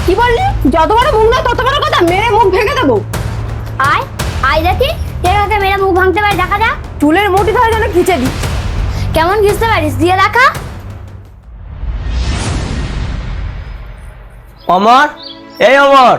কি বললি? যত বড় মুখ না তত বড় কথা, মেরে মুখ ভেঙে দেবো। আয় আয় দেখি কে কাকে মেরে মুখ ভাঙতে পারে, দেখা যাক। চুলের মুঠি ধরে যেন খিচে দি। কেমন ঘিচতে পারিস, দিয়ে দেখা। অমর, এই অমর।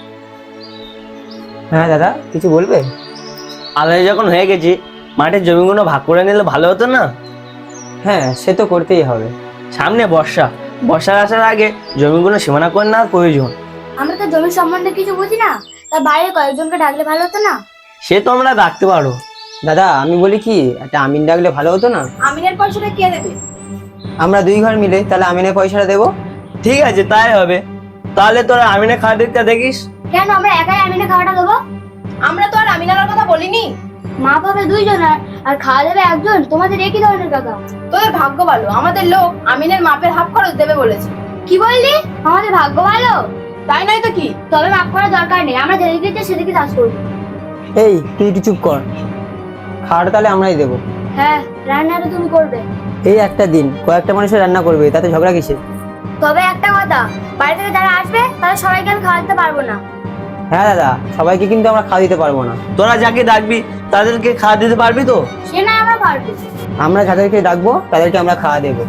হ্যাঁ দাদা, কিছু বলবে? আলাদা যখন হয়ে গেছি, মাঠের জমিগুলো ভাগ করে নিলে ভালো হতো না? হ্যাঁ, সে তো করতেই হবে। সামনে বর্ষার আসার আগে জমিগুলো সীমানা করে নেওয়ার প্রয়োজন। আমরা তো জমি সম্বন্ধে কিছু বুঝি না, তার বাইরে কয়েকজনকে ডাকলে ভালো হতো না? সে তোমরা ডাকতে পারো। দাদা, আমি বলি কি, একটা আমিন ডাকলে ভালো হতো না? আমিনের পয়সাটা কে দেবে? আমরা দুই ঘর মিলে তাহলে আমিনের পয়সাটা দেবো। ঠিক আছে, তাই হবে। তাহলে তোরা আমিনে খাওয়ার দিকটা দেখিস। কেন আমরা একাই আমিনে খাওয়াটা দেবো? আমরা তো আর আমিনার কথা বলিনি। মা পাবে দুইজন আর খাওয়া দেবে একজন, তোমাদের একই ধরনের কথা। তোদের ভাগ্য ভালো, আমাদের লোক আমিনের মাপের হাফ খরচ দেবে বলেছে। কি বললি? আমাদের ভাগ্য ভালো? তাই নয় তো কি? তবে মাপ করার দরকার নেই, আমরা যেদিকে ইচ্ছে সেদিকে চাষ করবো। এই, তুই একটু চুপ কর। খাওয়াটা তাহলে আমরাই দেবো। হ্যাঁ, রান্নাটা তুমি করবে। এই একটা দিন কয়েকটা মানুষের রান্না করবে, তাতে ঝগড়া কিসে? তবে একটা কথা, বাড়ি থেকে যারা আসবে তারা সবাইকে আমি খাওয়া দিতে পারবো না। হ্যাঁ দাদা, সবাইকে কিন্তু আমরা খাওয়া দিতে পারবো না। তোরা যাকে ডাকবি তাদেরকে খাওয়া দিতে পারবি তো? সে না আমরা পারবো। আমরা যাদেরকে ডাকবো তাদেরকে আমরা খাওয়া দেবো।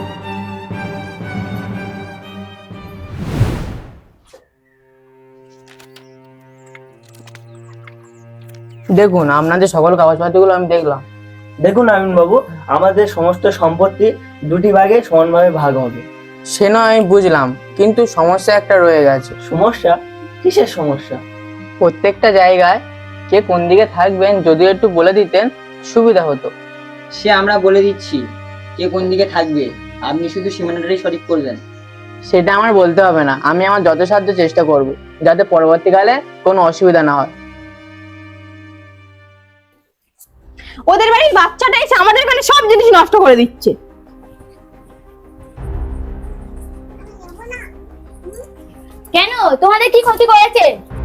দেখুন, আপনাদের সকল কাগজপত্রগুলো আমি দেখলাম। দেখুন আমিন বাবু, আমাদের সমস্ত সম্পত্তি দুটি ভাগে সমানভাবে ভাগ হবে। সে নয় আমি বুঝলাম, কিন্তু সমস্যা একটা রয়ে গেছে। সমস্যা? কিসের সমস্যা? প্রত্যেকটা জায়গায় কে কোন দিকে থাকবেন যদি একটু বলে দিতেন সুবিধা হতো। সে আমরা বলে দিচ্ছি কে কোন দিকে থাকবে, আপনি শুধু সীমানাটাই সঠিক করবেন। সেটা আমার বলতে হবে না, আমি আমার যথাসাধ্য চেষ্টা করব যাতে পরবর্তীকালে কোনো অসুবিধা না হয়। ওদের বাড়ির বাচ্চাটা এসে আমাদের এখানে সব জিনিস নষ্ট করে দিচ্ছে। কেন, তোমাদের কি ক্ষতি করেছে?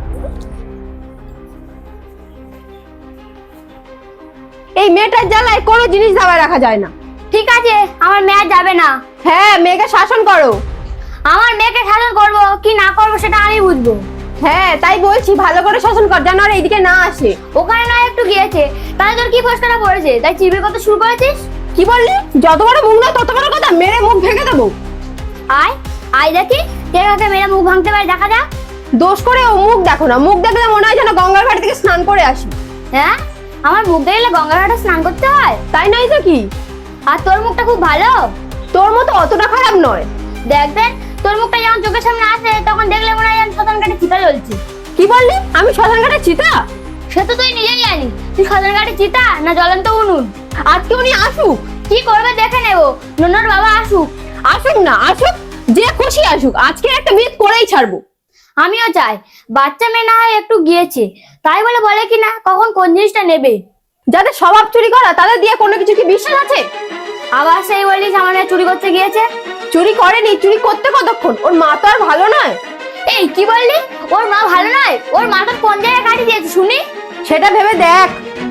এই মেয়েটার জ্বালায় কোনো জিনিস দাবায় রাখা যায় না। ঠিক আছে, আমার মেয়ে আর যাবে না। হ্যাঁ, মেয়েকে শাসন করো। আমার মেয়েকে শাসন করবো কি না করবো সেটা আমি বুঝবো। হ্যাঁ, তাই বলছি, ভালো করে শাসন কর যেন আর এইদিকে না আসে। ওখানে নয় একটু গিয়েছে, তাহলে তোর কি ফসকাটা পড়েছে তাই চিবির কথা শুরু করেছিস? কি বললি? যত বড় মুখ না তত বড় কথা, মেরে মুখ ভেঙে দেবো। আয় আয় দেখি কে কাকে মেরে মুখ ভাঙতে পারে, দেখা যাক। দোষ করে ও মুখ দেখো না, মুখ দেখলে মনে হয় যেন গঙ্গার ঘাট থেকে স্নান করে আসি। হ্যাঁ, আমার মুখ দেখলে গঙ্গার ঘাটে স্নান করতে হয়? তাই নয় তো কি? আর তোর মুখটা খুব ভালো। তোর মতো অতটা খারাপ নয়। দেখবেন তোর মুখটা যখন চোখের সামনে আসে তখন দেখলে মনে হয় শ্মশান ঘাটে চিতা জ্বলছে। কি বললি? আমি শ্মশান ঘাটে চিতা? সে তো তুই নিজেই জানিস, তুই শ্মশান ঘাটে চিতা না জ্বলন্ত উনুন। আজকে উনি আসুক। কি করবে দেখে নেবো, নন্নর বাবা আসুক। আসুক না আসুক, যে খুশি আসুক, আজকে একটা বিয়ে করেই ছাড়বো। আমিও চাই বাচ্চা মেয়ে না হয় একটু গিয়েছে, তাই বলে বলে কি না কখন কোন জিনিসটা নেবে। যাদের স্বভাব চুরি করা তাদের দিয়ে কোনো কিছু কি বিশ্বাস আছে? আবার সেই বলিস আমার মেয়ে চুরি করতে গিয়েছে। চুরি করেনি, চুরি করতে কতক্ষণ? ওর মা তো আর ভালো নয়। এই কি বললি? ওর মা ভালো নয়? ওর মা তো কোন জায়গায় কাটি দিয়েছে শুনি। সেটা ভেবে দেখ।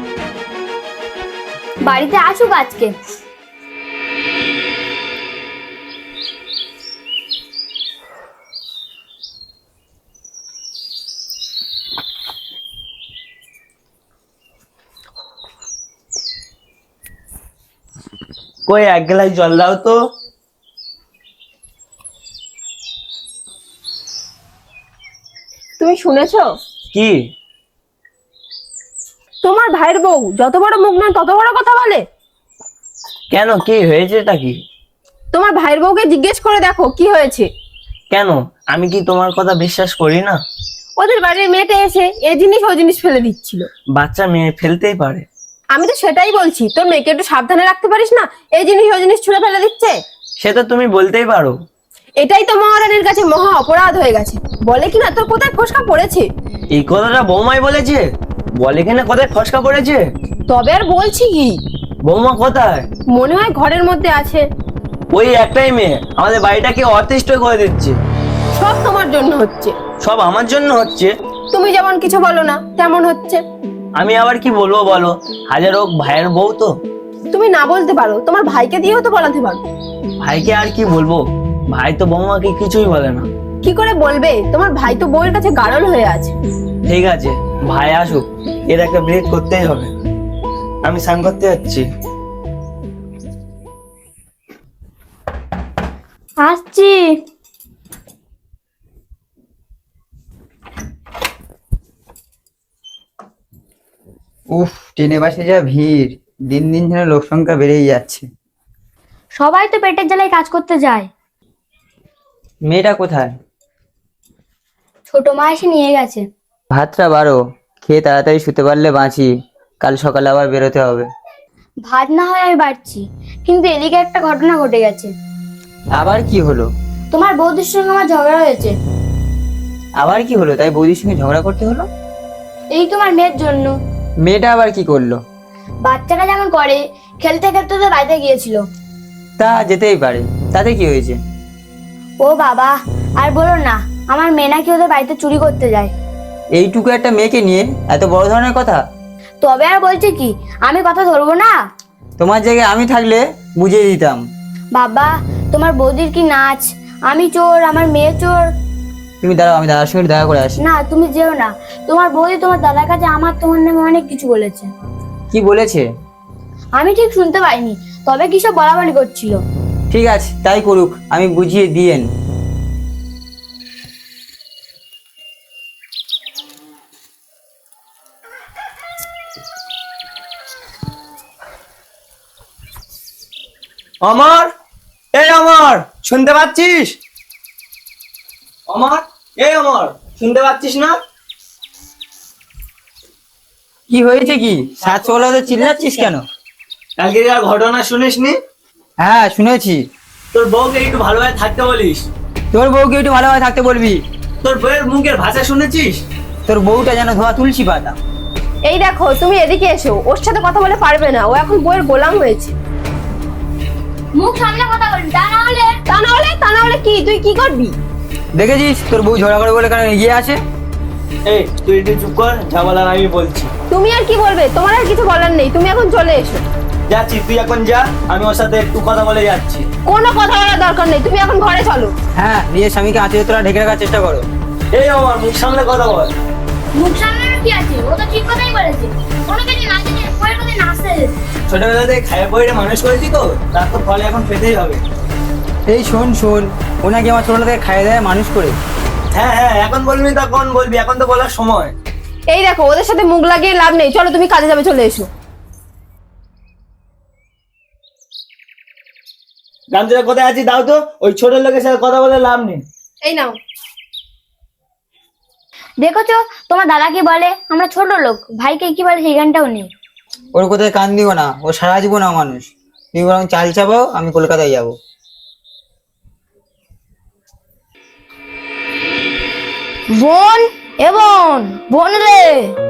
বাড়িতে আসুক আজকে। কই এক গ্লাস জল দাও তো। তুমি শুনেছো? কি? তোমার ভাইয়ের বউ যত বড় মুখ না তত বড় কথা বলে। কেন, কি হয়েছে? এটা কি? তোমার ভাইয়ের বউকে জিজ্ঞেস করে দেখো কি হয়েছে। কেন, আমি কি তোমার কথা বিশ্বাস করি না? ওদের বাড়ির মেয়েটা এসে এ জিনিস ও জিনিস ফেলে দিচ্ছিল। বাচ্চা মেয়ে ফেলতেই পারে। আমি তো সেটাই বলছি, তোর মেয়েকে একটু সাবধানে রাখতে পারিস না? এই জিনিস ও জিনিস ছুঁড়ে ফেলে দিচ্ছে। সেটা তুমি বলতেই পারো। এটাই তো মহারানীর কাছে মহা অপরাধ হয়ে গেছে। বলে কিনা তোর কোথায় ফসকা পড়েছে। এই কথাটা বৌমাই বলেছে? বলে কিনা কোথায় ফসকা পড়েছে? তবে আর বলছি কি? বৌমা কোথায়? মনে হয় ঘরের মধ্যে আছে। ওই একটাই মেয়ে আমাদের বাড়িটাকে অতিষ্ঠ করে দিচ্ছে। সব তোমার জন্য হচ্ছে। সব আমার জন্য হচ্ছে? তুমি যেমন কিছু বলো না তেমন হচ্ছে। আমি আবার কি বলবো বলো, হাজার হোক ভাইয়ের বউ তো। তুমি না বলতে পারো, তোমার ভাইকে দিয়েও তো বলাতে পারো। ভাইকে আর কি বলবো, ভাই তো বৌমাকে কিছুই বলে না। কি করে বলবে? তোমার ভাই তো বউয়ের কাছে গাড়ল হয়ে আছে। ঠিক আছে, ভাই আসুক, এর একটা ব্রেক করতেই হবে। আমি স্নান করতে যাচ্ছি। আসছি। উফ, ট্রেনে বাসে যা ভিড়, দিন দিন যেন লোক সংখ্যা বেড়েই যাচ্ছে। সবাই তো পেটের জ্বালায় কাজ করতে যায়। মেয়েটা কোথায়? ছোট মা এসে নিয়ে গেছে। ভাতটা বাড়ো, খেয়ে তাড়াতাড়ি শুতে পারলে বাঁচি, কাল সকালে আবার বেরোতে হবে। ভাত না হয় আমি বাড়ছি, কিন্তু এদিকে একটা ঘটনা ঘটে গেছে। আবার কি হলো? তোমার বৌদির সঙ্গে আমার ঝগড়া হয়েছে। আবার কি হলো? তাই বৌদির সঙ্গে ঝগড়া করতে হলো? এই তোমার মেয়ের জন্য। মেয়েটা আবার কি করলো? বাচ্চারা যেমন করে, খেলতে খেলতে তো বাড়িতে গিয়েছিল। তা যেতেই পারে, তাতে কি হয়েছে? ও বাবা, আর বলো না, আমার মেয়ে নাকি ওদের বাড়িতে চুরি করতে যায়। এইটুকু একটা মেয়েকে নিয়ে এত বড় ধরনের কথা? তবে আর বলছে কি, আমি কথা ধরবো না? তোমার জায়গায় আমি থাকলে বুঝিয়ে দিতাম। বাবা, তোমার বৌদির কি নাচ, আমি চোর, আমার মেয়ে চোর। তুমি দাঁড়াও, আমি দাদার সঙ্গে দেখা করে আসি। না, তুমি যেও না। তোমার বৌদি তোমার দাদার কাছে তোমার নামে অনেক কিছু বলেছে। কি বলেছে? আমি ঠিক শুনতে পাইনি, তবে কি সব বলাবলি করছিল। ঠিক আছে, তাই করুক, আমি বুঝিয়ে দিয়েন। অমর, এই অমর, শুনতে পাচ্ছিস? অমর, এই অমর, শুনতে পাচ্ছিস না? কি হয়েছে? কি সাত সকালে তো চিল্লাচ্ছিস কেন? কালকে আর ঘটনা শুনিসনি? হ্যাঁ শুনেছি। তোর বউকে একটু ভালোভাবে থাকতে বলিস। তোর বউকে একটু ভালোভাবে থাকতে বলবি। তোর বউয়ের মুখের ভাষা শুনেছিস? তোর বউটা যেন ধোয়া তুলসী পাতা। এই দেখো, তুমি এদিকে এসো, ওর সাথে কথা বলে পারবে না, ও এখন বউয়ের গোলাম হয়েছে। মুখ সামনে কথা বলবি, তা না হলে কি তুই কি করবি? দেখেছিস তোর বউ ঝগড়া করে বলে কেন এগিয়ে আছে? এই তুই একটু চুপ কর, যা বলার আমি বলছি। তুমি আর কি বলবে? তোমার আর কিছু বলার নেই, তুমি এখন চলে এসো। যাচ্ছি, তুই এখন যা, আমি ওর সাথে একটু কথা বলে যাচ্ছি। কোনো কথা বলার দরকার নেই, তুমি এখন ঘরে চলো। হ্যাঁ, নিজের স্বামীকে আঁচড়ে তোরা ঢেকে রাখার চেষ্টা করো। এই অমর, মুখ সামনে কথা বল। মুখ সামনে কি আছে? ও তো ঠিক কথাই বলেছে। কোনো কিছু না জেনে বউয়ের কথা নাচতে যেত। ছোটবেলা থেকে খাইয়ে পড়ে মানুষ করেছি তো, তার তো ফলে এখন পেতেই হবে। এই শোন শোন, ওনাকে আমার ছোটবেলা থেকে খাইয়ে দেয় মানুষ করে। হ্যাঁ হ্যাঁ, এখন বলবি তখন বলবি, এখন তো বলার সময়। এই দেখো, ওদের সাথে মুখ লাগিয়ে লাভ নেই, চলো তুমি কাজে যাবে, চলে এসো। গামছাটা কোথায় আছি দাও তো, ওই ছোট লোকের সাথে কথা বলে লাভ নেই। এই নাও। দেখেছো তোমার দাদা কি বলে, আমরা ছোট লোক, ভাইকে কি বলে সেই গানটাও নেই। ওর কোথায় কান দিও না, ও সারা জীবন মানুষ। তুমি বরং চাল চাপাও, আমি কলকাতায় যাবো। বোন, এ বোন, বোন রে।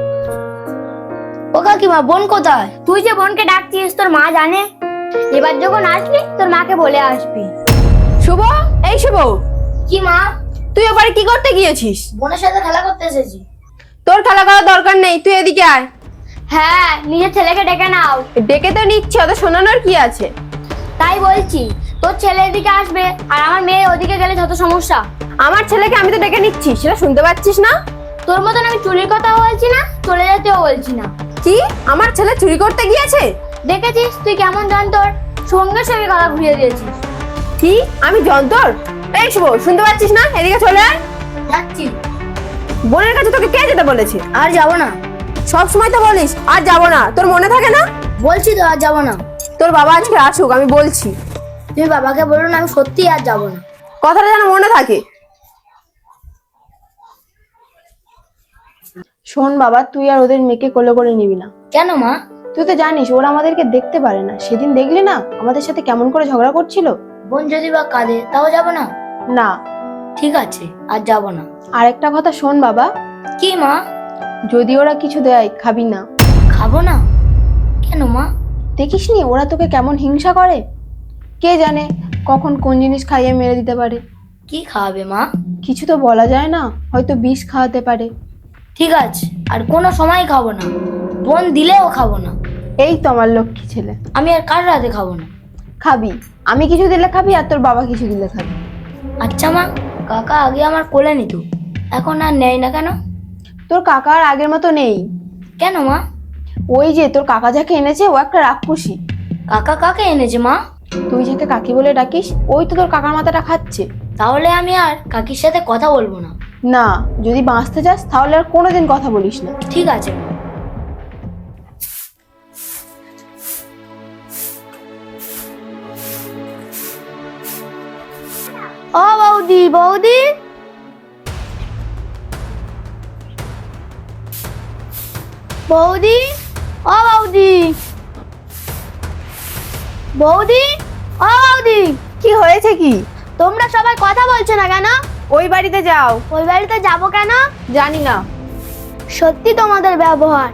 ও কাকিমা, বোন কোথায়? তুই যে বোনকে ডাকছিস তোর মা জানে? এবার যখন আসবি তোর মাকে বলে আসবি। শুভ, এই শুভ, কি মা? তুই ওপারে কি করতে গিয়েছিস? বোনের সাথে খেলা করতে এসেছি। তোর খেলা করার দরকার নেই, তুই এদিকে আয়। হ্যাঁ, নিজের ছেলেকে ডেকে নাও। ডেকে তো নিচ্ছে, ওদের শোনানোর কি আছে? তাই বলছি, তোর ছেলে এদিকে আসবে আর আমার মেয়ে ওদিকে গেলে যত সমস্যা। আমার ছেলেকে আমি তো ডেকে নিচ্ছি, সেটা শুনতে পাচ্ছিস না? তোর মতন আমি চুরির কথাও বলছি না, চলে যেতেও বলছি না। কি, আমার ছেলে চুরি করতে গিয়েছে? দেখেছিস তুই কেমন যন্তর, সঙ্গে সঙ্গে কথা ঘুরিয়ে দিয়েছিস। কি, আমি যন্তর? এই শুভ, শুনতে পাচ্ছিস না? এদিকে চলে আয়। যাচ্ছি। বোনের কাছে তোকে কে যেতে বলেছে? আর যাবো না। সব সময় তো বলিস আর যাবো না, তোর মনে থাকে না? বলছি তো আর যাবো না। তোর বাবা আজকে আসুক, আমি বলছি। তুমি বাবাকে বলো না, আমি সত্যি আর যাবো না। কথাটা যেন মনে থাকে। শোন বাবা, তুই আর ওদের মেয়েকে কোলে করে নিবি না। কেন মা? তুই তো জানিস ওরা আমাদেরকে দেখতে পারে না। সেদিন দেখলি না আমাদের সাথে কেমন করে ঝগড়া করছিল? বোন যদি বা কাঁদে তাও যাবো না? না। ঠিক আছে, আর যাবো না। আর একটা কথা শোন বাবা, কি মা? যদি ওরা কিছু দেয় খাবি না। খাবো না? কেন মা? দেখিসনি ওরা তোকে কেমন হিংসা করে? কে জানে কখন কোন জিনিস খাইয়ে মেরে দিতে পারে। কি খাওয়াবে মা? কিছু তো বলা যায় না, হয়তো বিষ খাওয়াতে পারে। ঠিক আছে, আর কোনো সময় খাবো না। বোন দিলেও খাবো না। এই তো আমার লক্ষ্মী ছেলে। আমি আর কার রাতে খাবো না। খাবি, আমি কিছু দিলে খাবি আর তোর বাবা কিছু দিলে খাবি। আচ্ছা মা। কাকা আগে আমার কোলে নিত, এখন আর নেয় না কেন? তোর কাকা আর আগের মতো নেই। কেন মা? ওই যে তোর কাকা যাকে এনেছে ও একটা রাক্ষসী। কাকা কাকে এনেছে মা? তুই যাকে কাকি বলে ডাকিস ওই তো তোর কাকার মাথাটা খাচ্ছে। তাহলে আমি আর কাকির সাথে কথা বলবো না। না, যদি বাঁচতে চাস তাহলে আর কোনোদিন কথা বলিস না। ঠিক আছে মা। ও বৌদি, বৌদি, বৌদি, ও বৌদি, বৌদি, ও বৌদি, কি হয়েছে কি? তোমরা সবাই কথা বলছো না কেন? ওই বাড়িতে যাও। ওই বাড়িতে যাবো কেন? জানি না। সত্যি তোমাদের ব্যবহার।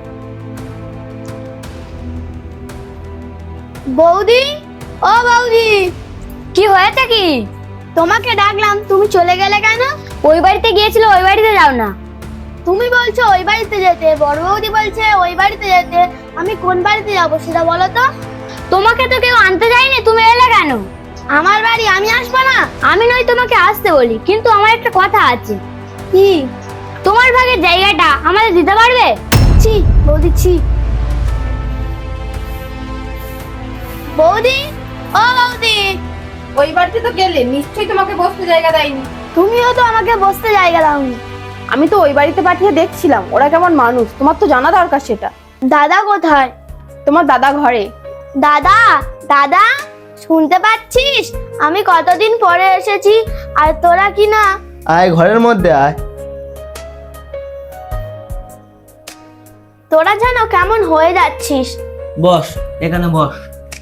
বৌদি, ও বৌদি, কি হয়েছে কি? তোমাকে ডাকলাম, তুমি চলে গেলে কেন? ওই বাড়িতে গিয়েছিল, ওই বাড়িতে যাও না। তুমি বলছো ওই বাড়িতে যেতে, বড় বৌদি বলছে ওই বাড়িতে যেতে, আমি কোন বাড়িতে যাবো সেটা বলো তো। তোমাকে তো কেউ আনতে যায়নি, তুমি এলে কেন? আমার বাড়ি আমি আসবো না? আমি নয় তোমাকে আসতে বলি, কিন্তু আমার একটা কথা আছে। কি? তোমার ভাগের জায়গাটা আমাদের দিতে পারবে? ছি বৌদি, ছি। বৌদি, ও বৌদি, ওই বাড়িতে তো গেলে নিশ্চয়ই তোমাকে বসতে জায়গা দেয়নি। তুমিও তো আমাকে বসতে জায়গা দাওনি। আমি তো ওই বাড়িতে পাঠিয়ে দেখছিলাম ওরা কেমন মানুষ, তোমার তো জানা দরকার সেটা। দাদা কোথায়? তোমার দাদা ঘরে। দাদা, দাদা, শুনতে পাচ্ছিস? আমি কতদিন পরে এসেছি আর তোরা কি না? আয় ঘরের মধ্যে আয়। তোরা যেন কেমন হয়ে যাচ্ছিস। বস, এখানে বস।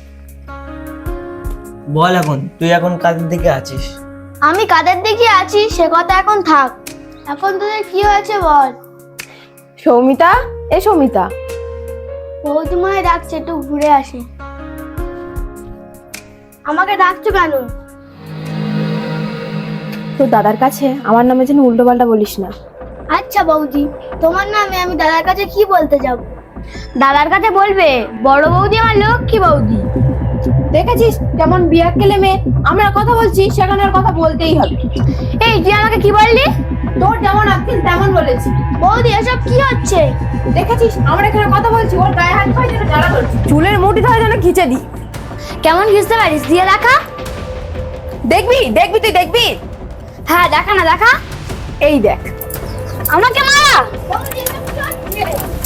বল এখন তুই এখন কাদের দিকে আছিস? আমি কাদের দিকে আছি সে কথা এখন থাক। এখন তোদের কি হয়েছে বল। সৌমিতা, এ সৌমিতা। বৌদিমায় ডাকছে, একটু ঘুরে আসে। আমাকে ডাকছো কেন? তোর দাদার কাছে আমার নামে যেন উল্টো পাল্টা বলিস না। আচ্ছা বৌদি, তোমার নামে আমি দাদার কাছে কি বলতে যাব? দাদার কাছে বলবে বড় বৌদি আমার লক্ষ্মী বৌদি। দেখেছিস কেমন বিয়াক্কেলে মেয়ে, আমরা কথা বলছি সেখানে আর কথা বলতেই হবে। এই তুই আমাকে কি বললি? তোর যেমন আক্কেল তেমন বলেছি। বৌদি এসব কি হচ্ছে? দেখেছিস আমরা এখানে কথা বলছি, ওর গায়ে হাত পায়ে যেন জ্বালা করছে, চুলের মুঠি ধরে যেন খিচে দি। কেমন ঘিসতে পারিস? দিয়ে দেখা। দেখবি দেখবি তুই দেখবি। হ্যাঁ দেখা না, দেখা। এই দেখ। আমাকে মারা। বৌদি এসব কি হচ্ছে?